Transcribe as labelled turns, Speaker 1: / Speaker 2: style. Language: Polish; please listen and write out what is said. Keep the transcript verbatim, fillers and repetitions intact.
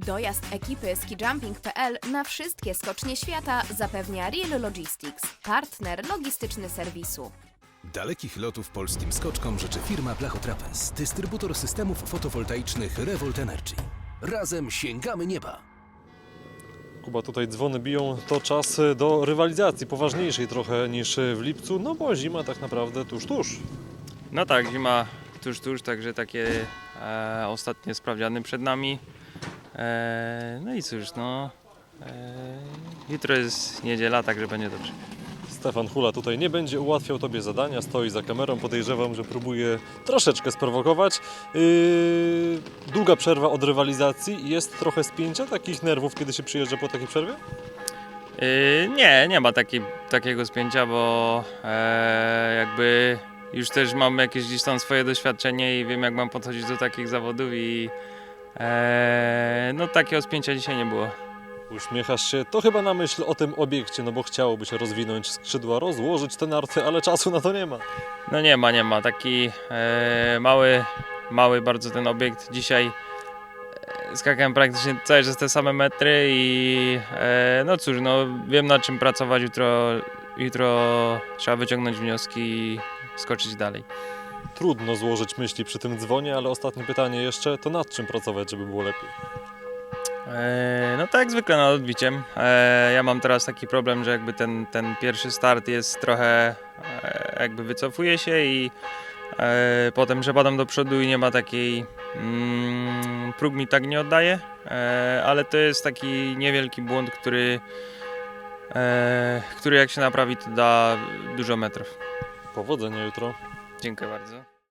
Speaker 1: Dojazd ekipy skijumping kropka p l na wszystkie skocznie świata zapewnia Real Logistics, partner logistyczny serwisu.
Speaker 2: Dalekich lotów polskim skoczkom życzy firma Blachotrapez, dystrybutor systemów fotowoltaicznych Revolt Energy. Razem sięgamy nieba!
Speaker 3: Kuba, tutaj dzwony biją, to czas do rywalizacji, poważniejszej trochę niż w lipcu, no bo zima tak naprawdę tuż, tuż.
Speaker 4: No tak, zima tuż, tuż, także takie e, ostatnie sprawdziany przed nami. E, no i cóż, no, e, jutro jest niedziela, także będzie dobrze.
Speaker 3: Stefan Hula tutaj nie będzie ułatwiał Tobie zadania, stoi za kamerą, podejrzewam, że próbuje troszeczkę sprowokować. Yy, długa przerwa od rywalizacji, jest trochę spięcia takich nerwów, kiedy się przyjeżdża po takiej przerwie?
Speaker 4: E, nie, nie ma taki, takiego spięcia, bo e, jakby już też mam jakieś gdzieś tam swoje doświadczenie i wiem, jak mam podchodzić do takich zawodów i e, no takiego spięcia dzisiaj nie było.
Speaker 3: Uśmiechasz się, to chyba na myśl o tym obiekcie, no bo chciałoby się rozwinąć skrzydła, rozłożyć te narty, ale czasu na to nie ma.
Speaker 4: No nie ma, nie ma. Taki e, mały, mały bardzo ten obiekt. Dzisiaj e, skakałem praktycznie cały czas te same metry i e, no cóż, no wiem na czym pracować. Jutro, jutro trzeba wyciągnąć wnioski i skoczyć dalej.
Speaker 3: Trudno złożyć myśli przy tym dzwonie, ale ostatnie pytanie jeszcze, to nad czym pracować, żeby było lepiej?
Speaker 4: E, no tak jak zwykle nad odbiciem. E, ja mam teraz taki problem, że jakby ten, ten pierwszy start jest trochę e, jakby wycofuje się i e, potem przepadam do przodu i nie ma takiej mm, próg mi tak nie oddaje, e, ale to jest taki niewielki błąd, który, e, który jak się naprawi, to da dużo metrów.
Speaker 3: Powodzenia jutro.
Speaker 4: Dziękuję bardzo.